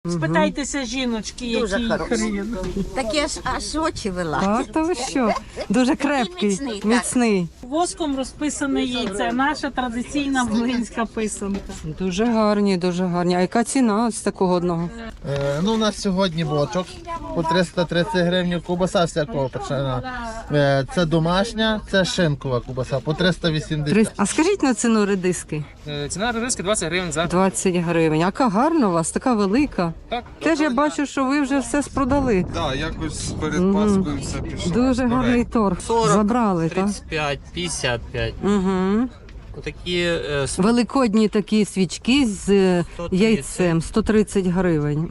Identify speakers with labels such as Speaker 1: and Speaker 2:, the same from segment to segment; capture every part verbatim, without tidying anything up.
Speaker 1: Спитайтеся жіночки,
Speaker 2: Дуже
Speaker 1: який
Speaker 2: хороший.
Speaker 1: хрін.
Speaker 2: Такі аж, аж очі вела.
Speaker 3: Так, то ви що? Дуже крепкий,
Speaker 2: міцний, так.
Speaker 3: міцний.
Speaker 1: Воском розписане яйце, наша традиційна волинська писанка.
Speaker 3: Дуже гарні, дуже гарні. А яка ціна ось такого одного?
Speaker 4: Е, ну, у нас сьогодні бочок по триста тридцять гривень, кубаса всякого печена. Е, це домашня, це шинкова кубаса по триста
Speaker 3: Три-
Speaker 4: вісімдесят.
Speaker 3: А скажіть на ціну редиски?
Speaker 5: Е, Ціна риски двадцять гривень за
Speaker 3: двадцять гривень. Яка гарна у вас, така велика.
Speaker 5: так.
Speaker 3: Теж я бачу, що ви вже все спродали.
Speaker 6: Так, якось перед
Speaker 3: Мгм.
Speaker 6: Пасхою все пішло.
Speaker 3: Дуже гарний торг. Забрали, так?
Speaker 7: тридцять п'ять, п'ятдесят п'ять.
Speaker 3: Угу.
Speaker 7: Отакі е, с-
Speaker 3: Великодні такі свічки з е,
Speaker 7: сто тридцять.
Speaker 3: яйцем, сто тридцять гривень.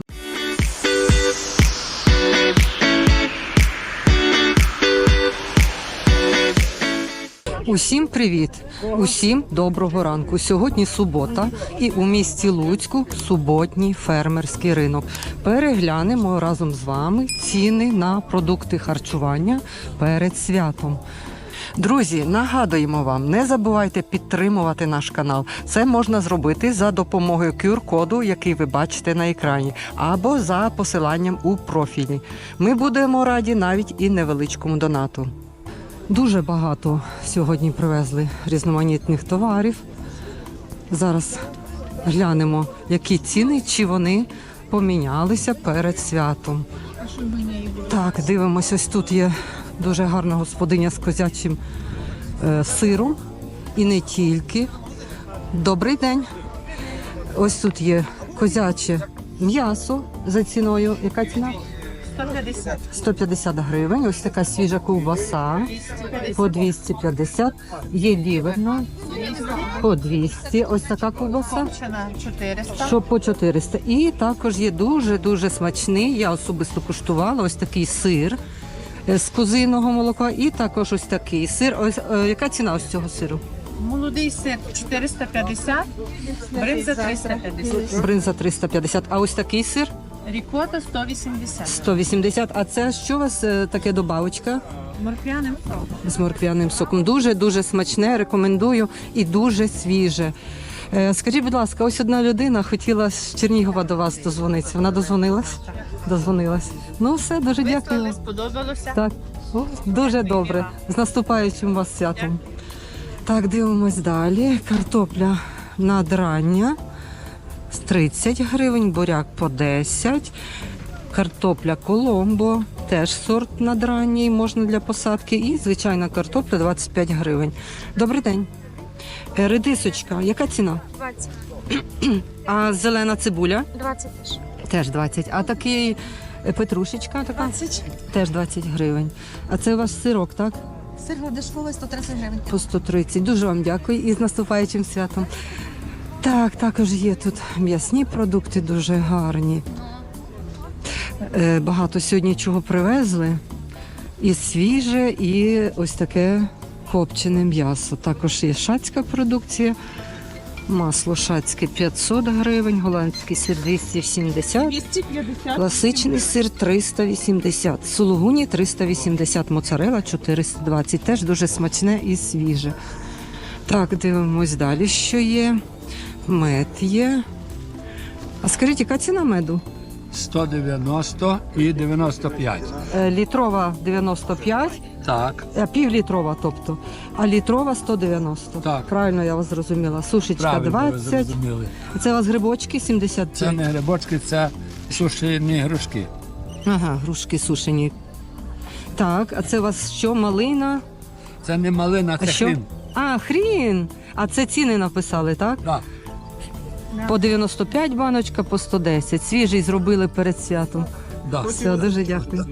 Speaker 3: Усім привіт! Усім доброго ранку. Сьогодні субота і у місті Луцьку суботній фермерський ринок. Переглянемо разом з вами ціни на продукти харчування перед святом. Друзі, нагадуємо вам, не забувайте підтримувати наш канал. Це можна зробити за допомогою кю ар-коду, який ви бачите на екрані, або за посиланням у профілі. Ми будемо раді навіть і невеличкому донату. Дуже багато сьогодні привезли різноманітних товарів. Зараз глянемо, які ціни, чи вони помінялися перед святом. Так, дивимось, ось тут є дуже гарна господиня з козячим е, сиром. І не тільки. Добрий день. Ось тут є козяче м'ясо за ціною. Яка ціна?
Speaker 1: сто п'ятдесят.
Speaker 3: сто п'ятдесят гривень. Ось така свіжа ковбаса по двісті п'ятдесят. Є ліверна по двісті. Ось така ковбаса.
Speaker 1: чотириста.
Speaker 3: Що по чотириста. І також є дуже-дуже смачний. Я особисто куштувала ось такий сир е, з козиного молока. І також ось такий сир. Ось е, яка ціна ось цього сиру?
Speaker 1: Молодий сир чотириста п'ятдесят, бринза триста п'ятдесят,
Speaker 3: Бринза триста п'ятдесят. А ось такий сир
Speaker 1: рікота сто вісімдесят.
Speaker 3: сто вісімдесят. А це що у вас е, таке добавочка?
Speaker 1: Морквяним соком.
Speaker 3: З морквяним соком. Дуже-дуже смачне, рекомендую і дуже свіже. Е, Скажіть, будь ласка, ось одна людина хотіла з Чернігова до вас дозвонитися. Вона дозвонилась? Дозвонилась. Ну все, дуже дякую.
Speaker 1: Сподобалося?
Speaker 3: Так, о, дуже добре. З наступаючим вас святом. Так, дивимось далі. Картопля надрання з тридцять гривень, буряк по десять. Картопля Коломбо, теж сорт надранній, можна для посадки. І звичайна картопля двадцять п'ять гривень. Добрий день. Е, Редисочка, яка ціна?
Speaker 8: двадцять.
Speaker 3: А зелена цибуля?
Speaker 8: двадцять теж.
Speaker 3: Теж двадцять. А такий е, петрушечка така?
Speaker 8: двадцять.
Speaker 3: Теж двадцять гривень. А це у вас сирок, так?
Speaker 8: Сир дешевий сто тридцять гривень.
Speaker 3: По сто тридцять. Дуже вам дякую і з наступаючим святом. Так, також є тут м'ясні продукти дуже гарні. Е, Багато сьогодні чого привезли. І свіже, і ось таке копчене м'ясо. Також є шацька продукція. Масло шацьке п'ятсот гривень, голландський сир двісті сімдесят,
Speaker 1: двісті п'ятдесят.
Speaker 3: класичний сир триста вісімдесят, сулугуні триста вісімдесят, моцарелла чотириста двадцять. Теж дуже смачне і свіже. Так, дивимось далі, що є. Мед є. А скажіть, яка ціна меду?
Speaker 9: сто дев'яносто і дев'яносто п'ять.
Speaker 3: Е, Літрова дев'яносто п'ять,
Speaker 9: Так,
Speaker 3: а півлітрова, тобто. А літрова сто дев'яносто.
Speaker 9: Так.
Speaker 3: Правильно я вас зрозуміла. Сушечка
Speaker 9: правильно ви
Speaker 3: двадцять.
Speaker 9: зрозуміли.
Speaker 3: Це у вас грибочки сімдесят
Speaker 9: Це
Speaker 3: п'ять.
Speaker 9: не грибочки, це сушені грушки.
Speaker 3: Ага, грушки сушені. Так, а це у вас що, малина?
Speaker 9: Це не малина,
Speaker 3: А
Speaker 9: це
Speaker 3: що?
Speaker 9: хрін.
Speaker 3: А, хрін! А це ціни написали, так?
Speaker 9: Так.
Speaker 3: По дев'яносто п'ять баночка, по сто десять. Свіжий зробили перед святом.
Speaker 9: Да.
Speaker 3: Все, дуже дякую.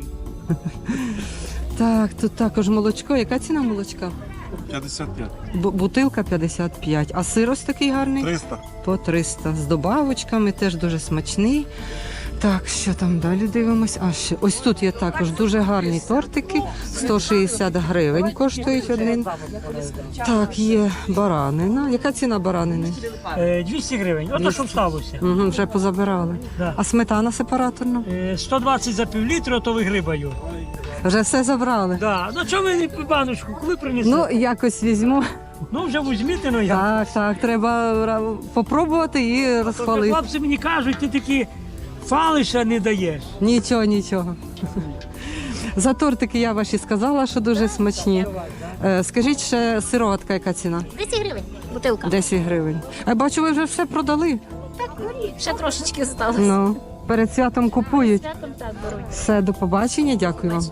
Speaker 3: Так, тут також молочко. Яка ціна молочка?
Speaker 6: п'ятдесят п'ять.
Speaker 3: Бу- Бутилка п'ятдесят п'ять. А сир ось такий гарний?
Speaker 6: триста.
Speaker 3: По триста. З добавочками, теж дуже смачний. Так, що там далі дивимось? А ще ось тут є також дуже гарні тортики. сто шістдесят гривень коштують один. Так, є баранина. Яка ціна баранини?
Speaker 10: Е, двісті гривень. Ото що сталося.
Speaker 3: Угу, вже позабирали.
Speaker 10: Да.
Speaker 3: А сметана сепараторна?
Speaker 10: Е, сто двадцять за півлітру, то вигрибаю.
Speaker 3: Вже все забрали.
Speaker 10: Да. Ну чому ви не баночку? Коли принесли?
Speaker 3: Ну,
Speaker 10: Ну,
Speaker 3: якось візьму.
Speaker 10: ну вже візьміть, ну я.
Speaker 3: Так, так, треба ра- попробувати і
Speaker 10: То
Speaker 3: розхвалити.
Speaker 10: хлопці мені кажуть, ти такі Фалиша не даєш.
Speaker 3: Нічого, нічого. За тортики я ваші сказала, що дуже смачні. Е, Скажіть ще сироватка, яка ціна?
Speaker 2: десять гривень. Бутилка.
Speaker 3: десять гривень. Я бачу, ви вже все продали.
Speaker 2: Так, ще трошечки залишилось.
Speaker 3: Ну, перед святом купують.
Speaker 2: Святом так беруть.
Speaker 3: Все, до побачення, дякую вам.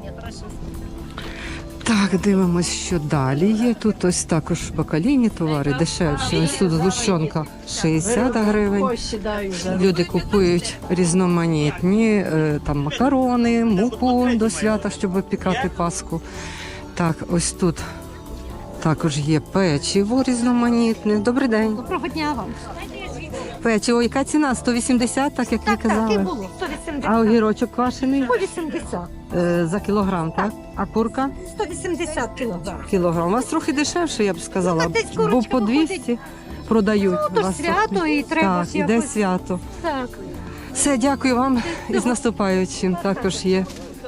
Speaker 3: Так, дивимось, що далі є. Тут ось також бакалійні товари дешевші. Ось тут згущенка шістдесят гривень. Люди купують різноманітні е, там макарони, муку до свята, щоб випікати паску. Так, ось тут також є печиво різноманітне. Добрий день.
Speaker 8: Доброго дня вам.
Speaker 3: Печиво, яка ціна? сто вісімдесят, так як ви казали?
Speaker 8: було. сто вісімдесят.
Speaker 3: А огірочок квашений?
Speaker 8: сто вісімдесят.
Speaker 3: Е, за кілограм, так? А курка?
Speaker 8: сто вісімдесят кілограм.
Speaker 3: Кілограм. У вас трохи дешевше, я б сказала,
Speaker 8: Ну, так десь
Speaker 3: бо
Speaker 8: курочка
Speaker 3: по двісті продають.
Speaker 8: Ну, то
Speaker 3: У вас
Speaker 8: свято,
Speaker 3: трохи-
Speaker 8: і треба
Speaker 3: Так,
Speaker 8: ж
Speaker 3: іде
Speaker 8: якось.
Speaker 3: свято.
Speaker 8: Так.
Speaker 3: Все, дякую вам і з наступаючим. Також є.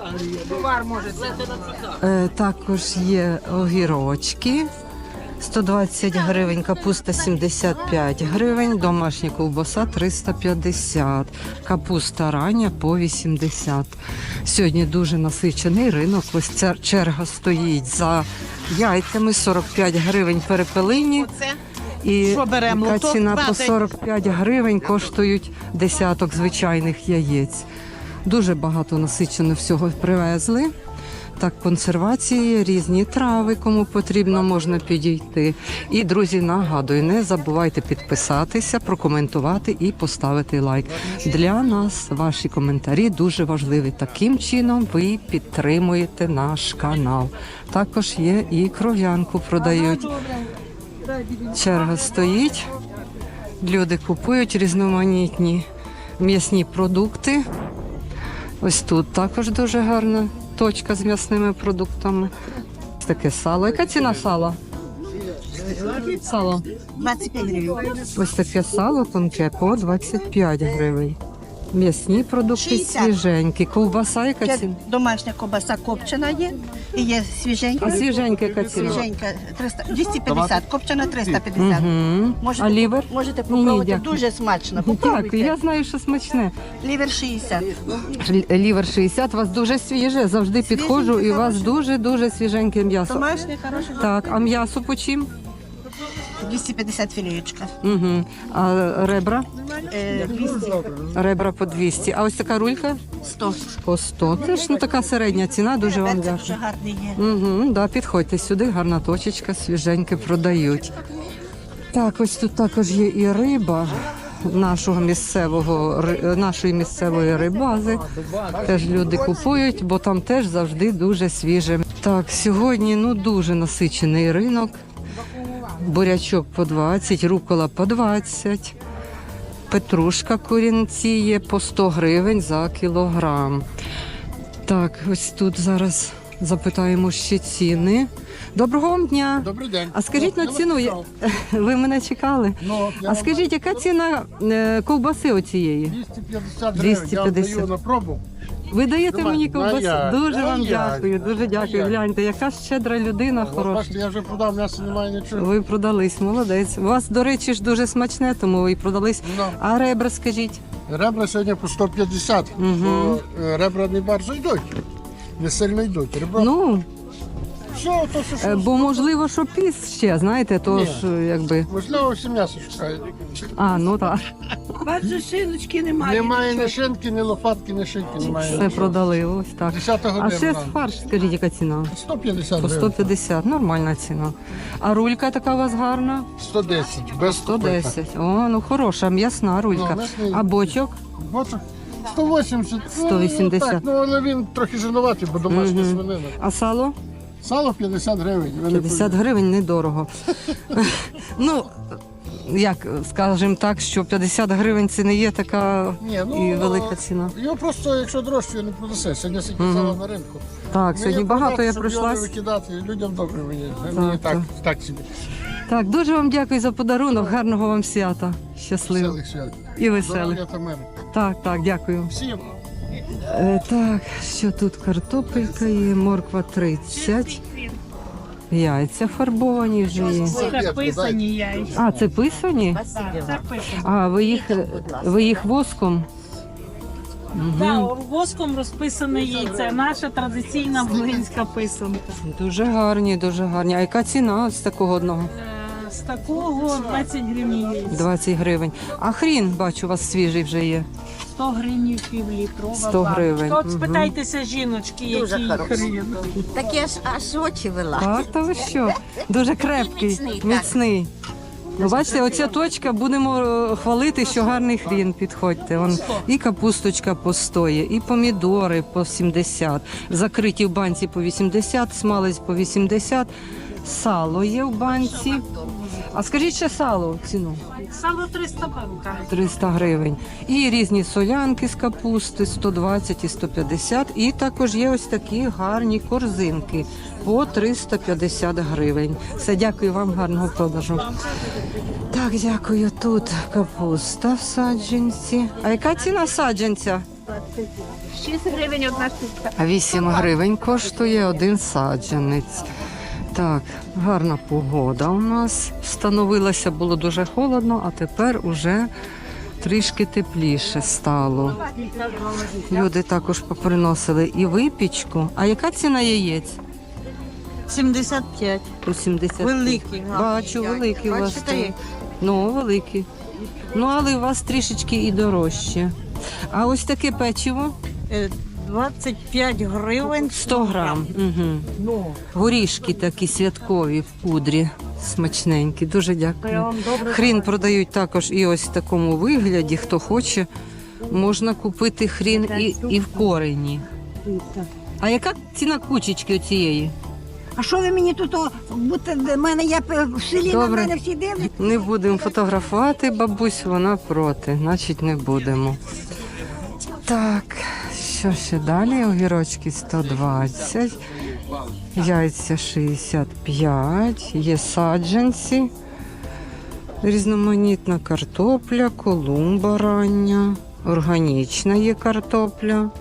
Speaker 3: Е, також є огірочки. сто двадцять гривень, капуста сімдесят п'ять гривень, домашня ковбаса триста п'ятдесят, капуста рання по вісімдесят. Сьогодні дуже насичений ринок. Ось ця черга стоїть за яйцями, сорок п'ять гривень перепелині. І яка ціна по сорок п'ять гривень коштують десяток звичайних яєць. Дуже багато насичено всього привезли. Так, консервації, різні трави, кому потрібно, можна підійти. І, друзі, нагадую, не забувайте підписатися, прокоментувати і поставити лайк. Для нас ваші коментарі дуже важливі. Таким чином ви підтримуєте наш канал. Також є і кров'янку продають. Черга стоїть, люди купують різноманітні м'ясні продукти. Ось тут також дуже гарна точка з м'ясними продуктами. Ось таке сало. Яка ціна сала? Сало.
Speaker 2: двадцять п'ять гривень.
Speaker 3: Ось таке сало тонке по двадцять п'ять гривень. М'ясні продукти
Speaker 2: шістдесят.
Speaker 3: свіженькі. Ковбаса яка ціна?
Speaker 2: Домашня ковбаса копчена є. І є свіженька.
Speaker 3: А свіженька яка ціна?
Speaker 2: Свіженька триста, двісті п'ятдесят, копчена триста п'ятдесят.
Speaker 3: Угу.
Speaker 2: Можете,
Speaker 3: А лівер?
Speaker 2: Можете
Speaker 3: Ні,
Speaker 2: попробувати,
Speaker 3: дякую.
Speaker 2: дуже смачно.
Speaker 3: Дякую,
Speaker 2: Попробуйте.
Speaker 3: я знаю, що смачне.
Speaker 2: Лівер шістдесят.
Speaker 3: Л- Лівер шістдесят, у вас дуже свіже. Завжди підходжу і у вас дуже-дуже свіженьке м'ясо.
Speaker 2: Домашнє, хороше.
Speaker 3: Так, а м'ясо по чим?
Speaker 2: двісті п'ятдесят філеєчка.
Speaker 3: Угу. А ребра?
Speaker 2: Е, двісті.
Speaker 3: Ребра по двісті. А ось така рулька?
Speaker 2: сто.
Speaker 3: По сто. Це ж ну, така середня ціна, дуже вам
Speaker 2: Перця дуже
Speaker 3: дякую.
Speaker 2: гарний є.
Speaker 3: Угу, да, підходьте сюди, гарна точечка, свіженьке продають. Так, ось тут також є і риба нашого місцевого, ри- нашої місцевої рибази. Теж люди купують, бо там теж завжди дуже свіже. Так, сьогодні ну, дуже насичений ринок. Бурячок по двадцять, рукола по двадцять. Петрушка корінці є по сто гривень за кілограм. Так, ось тут зараз запитаємо ще ціни. Доброго вам дня!
Speaker 9: Добрий день.
Speaker 3: А скажіть на ціну, я- ви мене чекали?
Speaker 9: Ну,
Speaker 3: А скажіть, яка ціна е, ковбаси оцієї?
Speaker 9: двісті п'ятдесят
Speaker 3: двісті
Speaker 9: гривень, я
Speaker 3: п'ятдесят.
Speaker 9: вам даю на пробу.
Speaker 3: Ви даєте
Speaker 9: Давай,
Speaker 3: мені
Speaker 9: ну,
Speaker 3: ковбасу?
Speaker 9: я-
Speaker 3: Дуже
Speaker 9: ну,
Speaker 3: вам
Speaker 9: я-
Speaker 3: дякую, дуже дякую.
Speaker 9: я-
Speaker 3: Гляньте, яка щедра людина
Speaker 9: От
Speaker 3: хороша.
Speaker 9: бачите, я вже продав, м'яса немає нічого.
Speaker 3: Ви продались, молодець. У вас, до речі, ж дуже смачне, тому ви і продались.
Speaker 9: Ну.
Speaker 3: А ребра, скажіть?
Speaker 9: Ребра сьогодні по сто п'ятдесят,
Speaker 3: Мгм.
Speaker 9: бо е, ребра не bardzo йдуть. Не сильно йдуть. Ребра,
Speaker 3: Ну,
Speaker 9: все, то що,
Speaker 3: е,
Speaker 9: що,
Speaker 3: бо можливо, що піс ще, знаєте, то
Speaker 9: Ні.
Speaker 3: ж е, якби.
Speaker 9: можливо, всі м'ясо шукають.
Speaker 3: А, ну так.
Speaker 10: Бачу, шиночки немає.
Speaker 9: Немає ні шинки, ні лопатки, ні шинки, немає.
Speaker 3: Все продали, ось так.
Speaker 9: десята
Speaker 3: А
Speaker 9: година.
Speaker 3: ще фарш, скажіть, яка ціна?
Speaker 9: сто п'ятдесят
Speaker 3: По
Speaker 9: гривень.
Speaker 3: сто п'ятдесят, нормальна ціна. А рулька така у вас гарна?
Speaker 9: сто десять, без
Speaker 3: сто десять. О, ну хороша, м'ясна рулька.
Speaker 9: Ну, м'ясний.
Speaker 3: А бочок?
Speaker 9: Бочок сто вісімдесят.
Speaker 3: сто вісімдесят.
Speaker 9: Ну, так, ну, але він трохи жирнуватий, бо домашня
Speaker 3: Мгм.
Speaker 9: свинина.
Speaker 3: А сало?
Speaker 9: Сало п'ятдесят гривень. ви не
Speaker 3: п'ятдесят гривень недорого. Ну, як скажемо так, що п'ятдесят гривень це не є така
Speaker 9: Ні, ну,
Speaker 3: і велика ціна.
Speaker 9: Його просто, якщо дорожче, не продаси. Сьогодні скільки
Speaker 3: Мгм.
Speaker 9: сало на ринку.
Speaker 3: Так, сьогодні
Speaker 9: Мені
Speaker 3: багато
Speaker 9: продати,
Speaker 3: я
Speaker 9: щоб його
Speaker 3: пройшлась.
Speaker 9: не викидати, людям добре мені.
Speaker 3: Так,
Speaker 9: мені так,
Speaker 3: так.
Speaker 9: так собі.
Speaker 3: Так, дуже вам дякую за подарунок. Гарного вам свята. Щасливо
Speaker 9: Веселих свят.
Speaker 3: і веселих.
Speaker 9: Здоров'я та миру.
Speaker 3: Так, так, дякую.
Speaker 9: Всім.
Speaker 3: Е, так, що тут картопелька є, морква тридцять. Яйця фарбовані вже є.
Speaker 1: Це писані яйця.
Speaker 3: А, це писані?
Speaker 1: Це писані.
Speaker 3: А, ви їх, ви їх воском?
Speaker 1: Да, воском розписане яйце. Наша традиційна волинська писанка.
Speaker 3: Дуже гарні, дуже гарні. А яка ціна з такого одного?
Speaker 1: Е, З такого двадцять гривень яйця.
Speaker 3: двадцять гривень. А хрін, бачу, у вас свіжий вже є.
Speaker 1: сто гривень півлітрова.
Speaker 3: сто гривень.
Speaker 1: От
Speaker 3: Мгм.
Speaker 1: спитайтеся жіночки, який хрін.
Speaker 2: Таке ж аж очі вела.
Speaker 3: Так, та ви що? Дуже крепкий,
Speaker 2: міцний,
Speaker 3: міцний. Ну, бачите, оця точка, будемо е, хвалити, що гарний хрін, підходьте. Вон і капусточка по сто є, і помідори по сімдесят, закриті в банці по вісімдесят, смалець по вісімдесят, сало є в банці. А скажіть ще сало ціну?
Speaker 1: Сало триста банка.
Speaker 3: триста гривень. І різні солянки з капусти сто двадцять і сто п'ятдесят. І також є ось такі гарні корзинки по триста п'ятдесят гривень. Все, дякую вам, гарного продажу. Так, дякую. Тут капуста в саджанці. А яка ціна саджанця?
Speaker 8: шість гривень одна штука.
Speaker 3: А вісім гривень коштує один саджанець. Так, гарна погода у нас. Встановилася, було дуже холодно, а тепер уже трішки тепліше стало. Люди також поприносили і випічку. А яка ціна яєць?
Speaker 2: сімдесят п'ять.
Speaker 3: По сімдесят.
Speaker 2: Великі.
Speaker 3: Бачу, великі у вас.
Speaker 2: Бачите,
Speaker 3: тут. Ну, великі. Ну, але у вас трішечки і дорожче. А ось таке печиво?
Speaker 2: Е, двадцять п'ять гривень.
Speaker 3: сто грам. Угу. Горішки такі святкові в пудрі. Смачненькі. Дуже дякую. Хрін продають також і ось в такому вигляді. Хто хоче, можна купити хрін і, і в корені. А яка ціна кучечки оцієї?
Speaker 8: А що ви мені тут, о, будете, в мене я в селі, на
Speaker 3: Добре.
Speaker 8: мене всі дивляться?
Speaker 3: Не будемо фотографувати, бабусь, вона проти, значить не будемо. Так, що ще далі? Огірочки сто двадцять, яйця шістдесят п'ять, є саджанці, різноманітна картопля, колумба рання, органічна є картопля,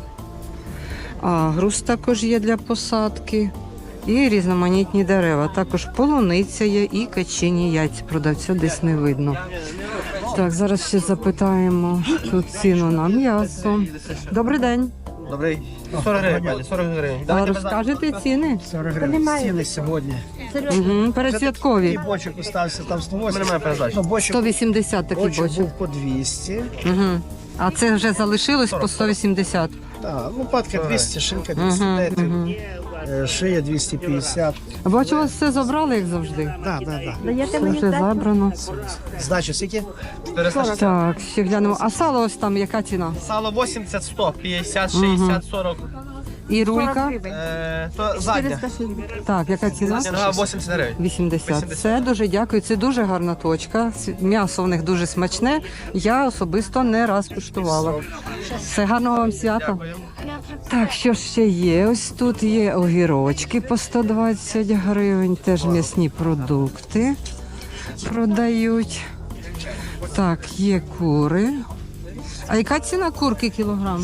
Speaker 3: агрус також є для посадки. І різноманітні дерева. Також полуниця є і качині яйця. Продавця десь не видно. Так, зараз ще запитаємо тут ціну на м'ясо. Добрий день.
Speaker 5: Добрий. сорок гривень, пані, сорок гривень.
Speaker 3: А розкажете ціни?
Speaker 9: сорок гривень. Ціни сьогодні.
Speaker 3: Угу, передсвяткові.
Speaker 9: І бочок остався там сто вісімдесят.
Speaker 5: Немає передачі.
Speaker 9: Ну, бочок,
Speaker 3: сто вісімдесят такий
Speaker 9: бочок
Speaker 3: бочок.
Speaker 9: був по двісті.
Speaker 3: Угу. А це вже залишилось по сто вісімдесят.
Speaker 9: Так, лопатка двісті, шинка
Speaker 3: Угу,
Speaker 9: двісті десять,
Speaker 3: угу.
Speaker 9: е, шия двісті п'ятдесят.
Speaker 3: Бачу, у вас все забрали, як завжди.
Speaker 9: Так, так, так.
Speaker 3: Все вже забрано.
Speaker 9: Здача скільки?
Speaker 3: Так, ще глянемо. А сало ось там, яка ціна?
Speaker 5: Сало вісімдесят, сто, п'ятдесят,
Speaker 3: Мгм.
Speaker 5: шістдесят, сорок.
Speaker 3: І рулька?
Speaker 5: Е, то задня.
Speaker 3: Так, яка ціна?
Speaker 5: Нога вісімдесят гривень.
Speaker 3: вісімдесят. Це дуже дякую. Це дуже гарна точка. М'ясо в них дуже смачне. Я особисто не раз куштувала. Все, гарного вам свята. Так, що ж ще є? Ось тут є огірочки по сто двадцять гривень. Теж м'ясні продукти продають. Так, є кури. А яка ціна курки кілограм?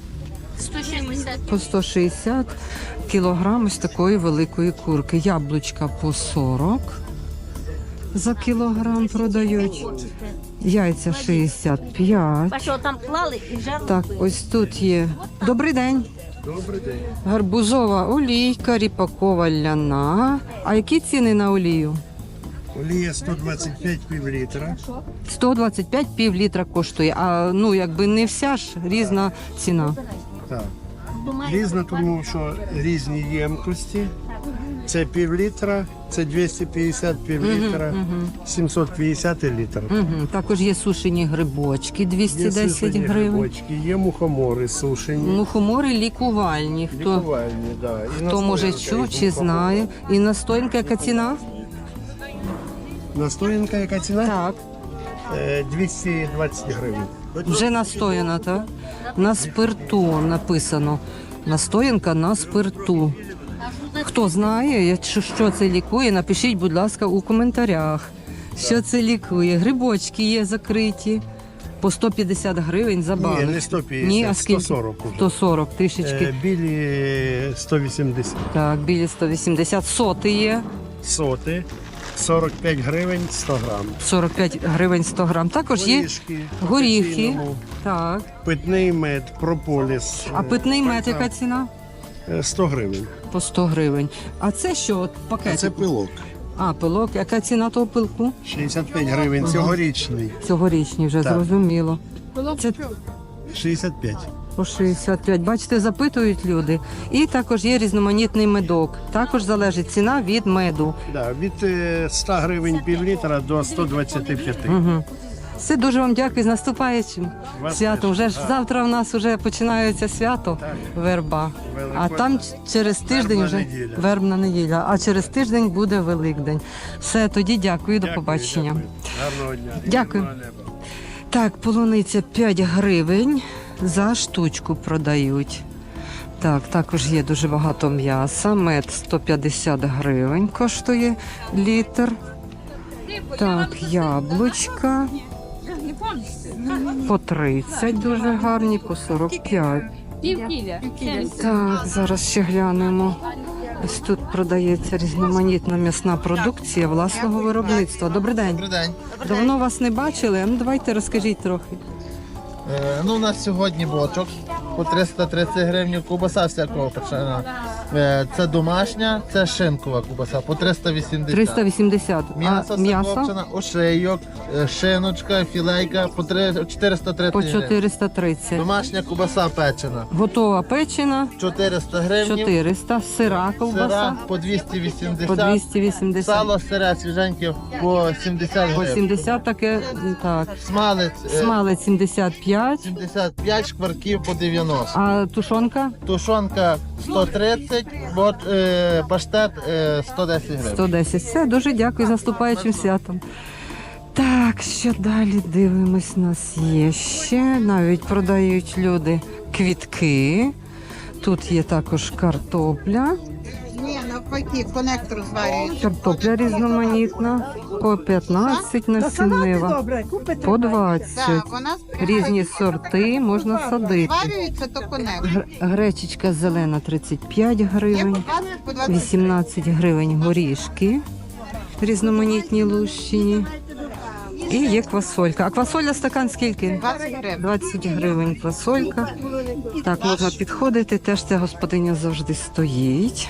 Speaker 3: По сто шістдесят кілограм ось такої великої курки. Яблучка по сорок за кілограм продають. Яйця шістдесят п'ять.
Speaker 8: Що там клали і жарили?
Speaker 3: Так, ось тут є. Добрий день.
Speaker 6: Добрий день.
Speaker 3: Гарбузова олійка, ріпакова ляна. А які ціни на олію?
Speaker 9: Олія сто двадцять п'ять пів літра.
Speaker 3: сто двадцять п'ять пів літра коштує. А ну якби не вся ж різна ціна.
Speaker 9: Так. Різно, тому що різні ємкості. Це пів літра, це двісті п'ятдесят пів літра, сімсот п'ятдесят літр.
Speaker 3: Угу. Також є сушені грибочки двісті
Speaker 9: Є
Speaker 3: десять
Speaker 9: сушені
Speaker 3: гривень.
Speaker 9: грибочки, є мухомори сушені.
Speaker 3: Мухомори лікувальні. Хто,
Speaker 9: Лікувальні, да. І
Speaker 3: хто може
Speaker 9: настоянка
Speaker 3: чув
Speaker 9: із
Speaker 3: чи
Speaker 9: мухомору.
Speaker 3: знає. І настоянка яка ціна?
Speaker 9: Настоянка яка ціна?
Speaker 3: Так.
Speaker 9: Е, двісті двадцять гривень.
Speaker 3: Вже настояна, так? На спирту написано. Настоянка на спирту. Хто знає, якщо що це лікує, напишіть, будь ласка, у коментарях, що це лікує. Грибочки є закриті по сто п'ятдесят гривень за банк.
Speaker 9: Ні, не сто п'ятдесят,
Speaker 3: Ні, а скільки?
Speaker 9: сто сорок уже.
Speaker 3: сто сорок, трішечки.
Speaker 9: Е, білі сто вісімдесят.
Speaker 3: Так, білі сто вісімдесят. Соти є.
Speaker 9: Соти сорок п'ять гривень сто грам.
Speaker 3: сорок п'ять гривень сто грам. Також є
Speaker 9: Горішки.
Speaker 3: горіхи.
Speaker 9: печіному,
Speaker 3: Так.
Speaker 9: Питний мед, прополіс.
Speaker 3: А питний мед яка ціна?
Speaker 9: Е, сто гривень.
Speaker 3: По сто гривень. А це що? От
Speaker 9: А
Speaker 3: пакет?
Speaker 9: це пилок.
Speaker 3: А, пилок. Яка ціна того пилку?
Speaker 9: шістдесят п'ять гривень, цьогорічний.
Speaker 3: Цьогорічний вже
Speaker 9: Так.
Speaker 3: зрозуміло. Це
Speaker 9: шістдесят п'ять.
Speaker 3: по шістдесят п'ять. Бачите, запитують люди. І також є різноманітний медок. Також залежить ціна від меду.
Speaker 9: Да, від е, ста гривень пів літра до сто двадцять п'ять.
Speaker 3: Угу. Все, дуже вам дякую з наступаючим
Speaker 9: Вас
Speaker 3: святом.
Speaker 9: теж.
Speaker 3: Вже ж завтра у нас вже починається свято верба. А
Speaker 9: Великодня.
Speaker 3: там ч- через тиждень
Speaker 9: Вербна
Speaker 3: вже
Speaker 9: неділя.
Speaker 3: вербна неділя, а через тиждень буде Великдень. Все, тоді дякую, до
Speaker 9: Дякую,
Speaker 3: побачення.
Speaker 9: дякую. Гарного дня.
Speaker 3: Дякую.
Speaker 9: Гарного неба.
Speaker 3: Так, полуниця п'ять гривень за штучку продають. Так, також є дуже багато м'яса. Мед сто п'ятдесят гривень коштує літр. Так, яблучка по тридцять дуже гарні, по сорок п'ять. Так, зараз ще глянемо. Ось тут продається різноманітна м'ясна продукція власного виробництва. Добрий день.
Speaker 4: Добрий день.
Speaker 3: Давно вас не бачили. Ну давайте розкажіть трохи.
Speaker 4: Е, ну, у нас сьогодні бочок по триста тридцять гривень, кубаса всякого печена. Е, це домашня, це шинкова кубаса по триста вісімдесят.
Speaker 3: триста вісімдесят.
Speaker 4: М'ясо
Speaker 3: А м'ясо
Speaker 4: закопчене, ошийок, е, шиночка, філейка по три- чотириста тридцять
Speaker 3: по
Speaker 4: гривень.
Speaker 3: чотириста тридцять.
Speaker 4: Домашня кубаса печена
Speaker 3: Готова печена
Speaker 4: чотириста гривень.
Speaker 3: чотириста. Сира ковбаса
Speaker 4: Сира по двісті вісімдесят.
Speaker 3: по двісті вісімдесят.
Speaker 4: Сало сире свіженьке по сімдесят
Speaker 3: По
Speaker 4: гривень.
Speaker 3: сімдесят таке, так.
Speaker 4: Смалець е,
Speaker 3: Смалець сімдесят п'ять.
Speaker 4: сімдесят п'ять, шкварків по дев'яносто.
Speaker 3: А тушонка
Speaker 4: Тушонка сто тридцять, бот, е, паштет е, сто десять гривень.
Speaker 3: сто десять. Все, дуже дякую з наступаючим святом. Так, що далі дивимось, у нас є ще. Навіть продають люди квітки. Тут є також картопля.
Speaker 2: Ні, навпаки, конектор зварюють.
Speaker 3: Картопля різноманітна. По п'ятнадцять насіннева.
Speaker 8: Добре, купите.
Speaker 3: По двадцять.
Speaker 2: вона
Speaker 3: Різні сорти можна садити.
Speaker 2: зварюється, то конектор.
Speaker 3: Гр- Гречечка зелена тридцять п'ять гривень,
Speaker 2: по двадцять
Speaker 3: вісімнадцять гривень горішки різноманітні лущині. І є квасолька. А квасоля стакан скільки?
Speaker 2: гривень.
Speaker 3: двадцять гривень квасолька. Так, можна підходити. Теж ця господиня завжди стоїть.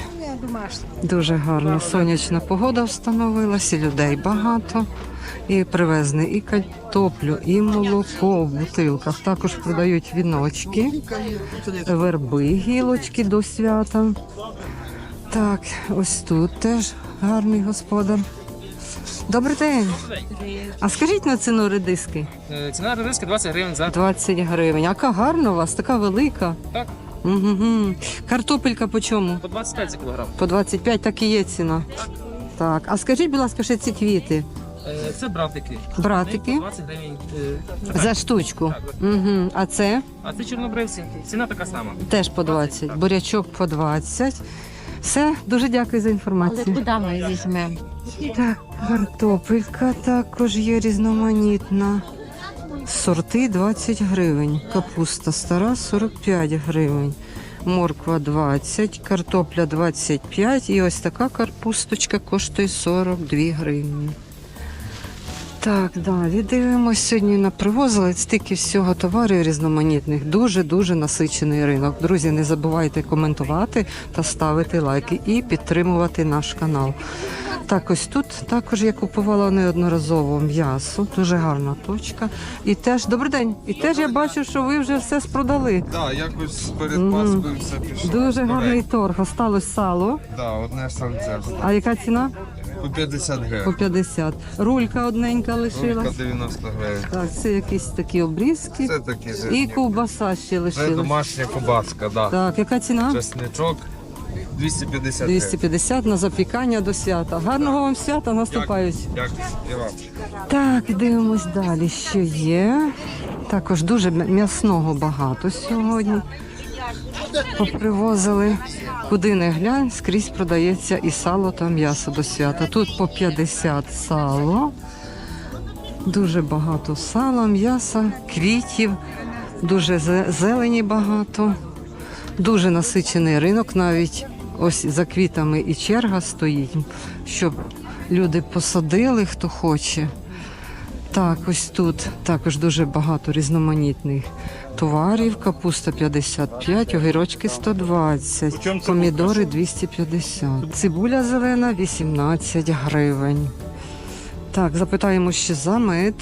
Speaker 3: Дуже гарна сонячна погода встановилася, людей багато. І привезли і картоплю, і молоко в бутилках. Також продають віночки, верби, гілочки до свята. Так, ось тут теж гарний господар. Добрий день. А скажіть на ціну редиски?
Speaker 5: Ціна редиски двадцять гривень за
Speaker 3: двадцять гривень. Яка гарна у вас, така велика.
Speaker 5: Так.
Speaker 3: Угу. Картопелька по чому?
Speaker 5: по двадцять п'ять за кілограм.
Speaker 3: По двадцять п'ять, так і є ціна. Так, а скажіть, будь ласка, ще ці квіти.
Speaker 5: Е, Це братики.
Speaker 3: Братики
Speaker 5: двадцять гривень. е,
Speaker 3: за штучку. Угу. А це
Speaker 5: А це чорнобривці. Ціна така сама.
Speaker 3: теж по двадцять. Бурячок по двадцять. Все, дуже дякую за інформацію.
Speaker 1: Куди ми візьмемо?
Speaker 3: Так, картопелька також є різноманітна. Сорти двадцять гривень. Капуста стара сорок п'ять гривень. Морква двадцять, картопля двадцять п'ять і ось така капусточка коштує сорок дві гривні. Так, далі дивимося. Сьогодні напривозили стільки всього товарів різноманітних. Дуже-дуже насичений ринок. Друзі, не забувайте коментувати та ставити лайки і підтримувати наш канал. Так, ось тут також я купувала неодноразово м'ясо. Дуже гарна точка. І теж, добрий день. І теж я бачу, що ви вже все спродали.
Speaker 6: Так, якось перед
Speaker 3: Мгм.
Speaker 6: Пасхою все пішло.
Speaker 3: Дуже гарний торг. Осталось сало.
Speaker 6: Так, одне сальце.
Speaker 3: А яка ціна?
Speaker 6: По п'ятдесят
Speaker 3: По
Speaker 6: гривень.
Speaker 3: п'ятдесят. Рулька одненька
Speaker 6: Рулька
Speaker 3: лишилась.
Speaker 6: дев'яносто гривень.
Speaker 3: Так, це якісь такі обрізки.
Speaker 6: Це такі
Speaker 3: І
Speaker 6: зерні.
Speaker 3: ковбаса ще
Speaker 6: Це
Speaker 3: лишилась.
Speaker 6: домашня кобаска, так.
Speaker 3: Так, яка ціна?
Speaker 6: Чесничок двісті п'ятдесят
Speaker 3: двісті
Speaker 6: гривень.
Speaker 3: п'ятдесят на запікання до свята. Гарного вам свята, наступають.
Speaker 6: Дякую. І вам.
Speaker 3: Так, дивимось далі, що є. Також дуже м- м'ясного багато сьогодні. Попривозили. Куди не глянь, скрізь продається і сало та м'ясо до свята. Тут по п'ятдесят сало. Дуже багато сала, м'яса, квітів, дуже зе- зелені багато. Дуже насичений ринок, навіть ось за квітами і черга стоїть, щоб люди посадили, хто хоче. Так, ось тут також дуже багато різноманітних товарів. Капуста п'ятдесят п'ять, огірочки сто двадцять, помідори двісті п'ятдесят. Цибуля зелена вісімнадцять гривень. Так, запитаємо ще за мед.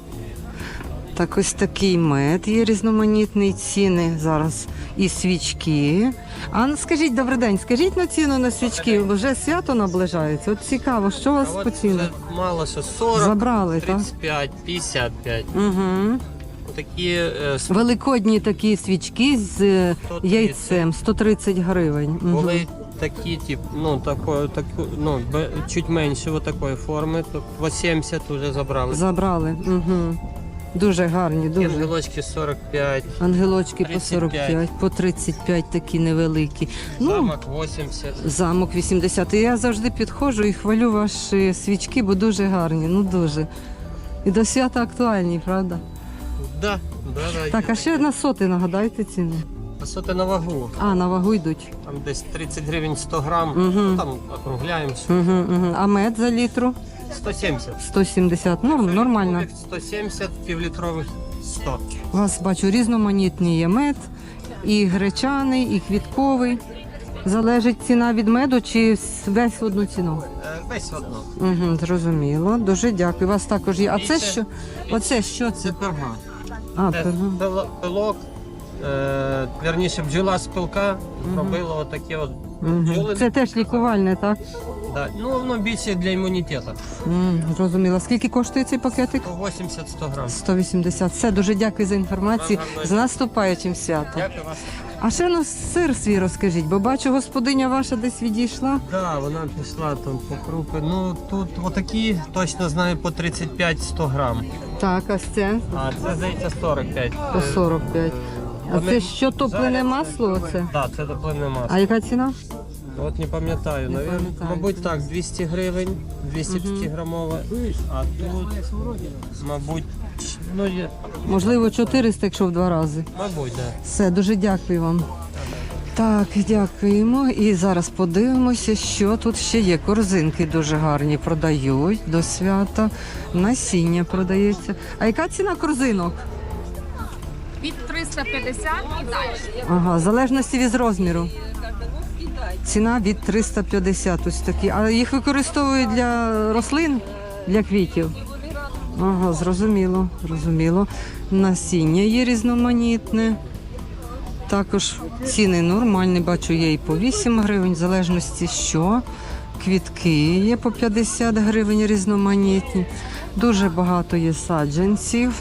Speaker 3: Так, ось такий мед є різноманітний, ціни зараз і свічки. А ну, скажіть, добрий день, скажіть на ціну на свічки, вже свято наближається. От цікаво, що у вас
Speaker 7: А
Speaker 3: по
Speaker 7: от
Speaker 3: ціну?
Speaker 7: вже мало що сорок,
Speaker 3: Забрали, так?
Speaker 7: тридцять п'ять, п'ятдесят п'ять.
Speaker 3: Угу.
Speaker 7: Такі е, с-
Speaker 3: Великодні такі свічки з е,
Speaker 7: сто тридцять.
Speaker 3: яйцем, сто тридцять гривень. Мгм.
Speaker 7: були такі, тип, ну, такої, таку, ну, бе- чуть менше вот такої форми, то по сімдесят вже забрали.
Speaker 3: Забрали. Угу. Дуже гарні, дуже.
Speaker 7: Ангелочки сорок п'ять,
Speaker 3: Ангелочки по
Speaker 7: тридцять
Speaker 3: сорок
Speaker 7: п'ять.
Speaker 3: п'ять, по тридцять п'ять такі невеликі. Ну,
Speaker 7: замок вісімдесят.
Speaker 3: замок вісімдесят. І я завжди підходжу і хвалю ваші свічки, бо дуже гарні, ну дуже. І до свята актуальні, правда?
Speaker 7: Да, да, да.
Speaker 3: Так, а ще на соти нагадайте ціну.
Speaker 7: А що ти на вагу?
Speaker 3: А, на вагу йдуть.
Speaker 7: Там десь тридцять гривень сто грам,
Speaker 3: Мгм.
Speaker 7: ну, там округляємося.
Speaker 3: Угу, угу. А мед за літру?
Speaker 7: сто сімдесят.
Speaker 3: сто сімдесят. Норм, нормально.
Speaker 7: сто сімдесят, півлітрових сто.
Speaker 3: У вас, бачу, різноманітний є мед, і гречаний, і квітковий. Залежить ціна від меду чи весь в одну ціну?
Speaker 7: Е, Весь одно.
Speaker 3: Угу, зрозуміло. Дуже дякую. У вас також є. А це
Speaker 7: це-
Speaker 3: що? Оце що це?
Speaker 7: Це перга.
Speaker 3: А,
Speaker 7: Це
Speaker 3: пирога.
Speaker 7: пил- пилок, е, вірніше бджола з пилка робила отакі от
Speaker 3: Мгм.
Speaker 7: бджоли.
Speaker 3: Це теж лікувальне, так?
Speaker 7: Да. Ну, воно більше для імунітету.
Speaker 3: М, зрозуміло. Скільки коштує цей пакетик?
Speaker 7: сто вісімдесят сто грам.
Speaker 3: сто вісімдесят. Все, дуже дякую за інформацію.
Speaker 7: Вам гарного
Speaker 3: З наступаючим святом.
Speaker 7: Дякую вас.
Speaker 3: А ще ну сир свій розкажіть, бо бачу, господиня ваша десь відійшла.
Speaker 7: Да, вона пішла там по крупи. Ну, тут отакі, точно знаю, по тридцять п'ять сто грам.
Speaker 3: Так, а це
Speaker 7: А це, здається, сорок п'ять.
Speaker 3: по сорок п'ять. А
Speaker 7: Вони
Speaker 3: це що, топлене
Speaker 7: жарять.
Speaker 3: масло оце?
Speaker 7: Так, да, це топлене масло.
Speaker 3: А яка ціна?
Speaker 7: От не пам'ятаю,
Speaker 3: Не
Speaker 7: навіть,
Speaker 3: пам'ятаю.
Speaker 7: мабуть, так, двісті гривень, двісті п'ять грамова. А тут, мабуть, ну, є,
Speaker 3: Можливо, чотириста, якщо в два рази.
Speaker 7: мабуть, да.
Speaker 3: Все, дуже дякую вам. Так, дякуємо. І зараз подивимося, що тут ще є. Корзинки дуже гарні продають до свята. Насіння продається. А яка ціна корзинок?
Speaker 1: Від триста п'ятдесят і далі.
Speaker 3: Ага, в залежності від розміру. Ціна від триста п'ятдесят ось такі. А їх використовують для рослин, для квітів. Ага, зрозуміло, зрозуміло. Насіння є різноманітне. Також ціни нормальні, бачу, є і по вісім гривень, в залежності що. Квітки є по п'ятдесят гривень різноманітні. Дуже багато є саджанців.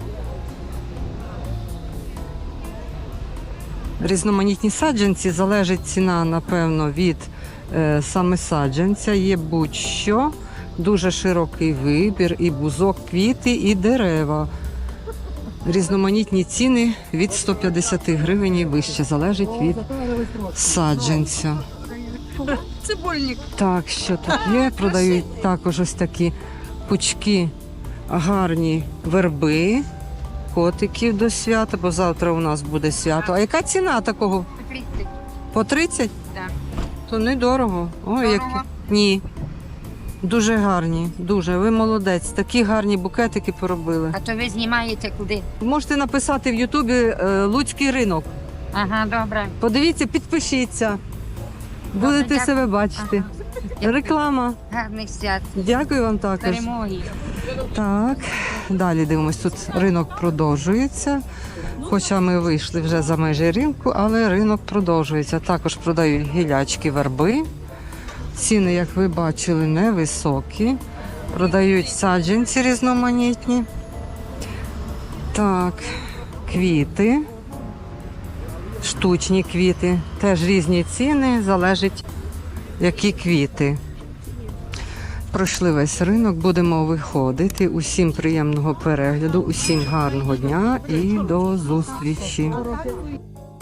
Speaker 3: Різноманітні саджанці, залежить ціна, напевно, від е, саме саджанця. Є будь-що, дуже широкий вибір, і бузок, квіти, і дерева. Різноманітні ціни від сто п'ятдесят гривень і вище, залежить від саджанця.
Speaker 1: Цибульник.
Speaker 3: Так, що тут є? Продають також ось такі пучки, гарні верби, котиків до свята, бо завтра у нас буде свято. А яка ціна такого? По тридцять?
Speaker 1: Так.
Speaker 3: То недорого. Ой, які. Ні. Дуже гарні, дуже. Ви молодець. Такі гарні букетики поробили.
Speaker 8: А то ви знімаєте куди?
Speaker 3: Можете написати в Ютубі е, Луцький ринок.
Speaker 8: Ага, добре.
Speaker 3: Подивіться, підпишіться. Будете
Speaker 8: дякую.
Speaker 3: себе бачити. Реклама.
Speaker 8: Гарних свят.
Speaker 3: Дякую вам також.
Speaker 8: Перемоги.
Speaker 3: Так, далі дивимось. Тут ринок продовжується. Хоча ми вийшли вже за межі ринку, але ринок продовжується. Також продають гілячки, верби. Ціни, як ви бачили, невисокі. Продають саджанці різноманітні. Так, квіти. Штучні квіти. Теж різні ціни, залежить, які квіти. Пройшли весь ринок, будемо виходити. Усім приємного перегляду, усім гарного дня і до зустрічі.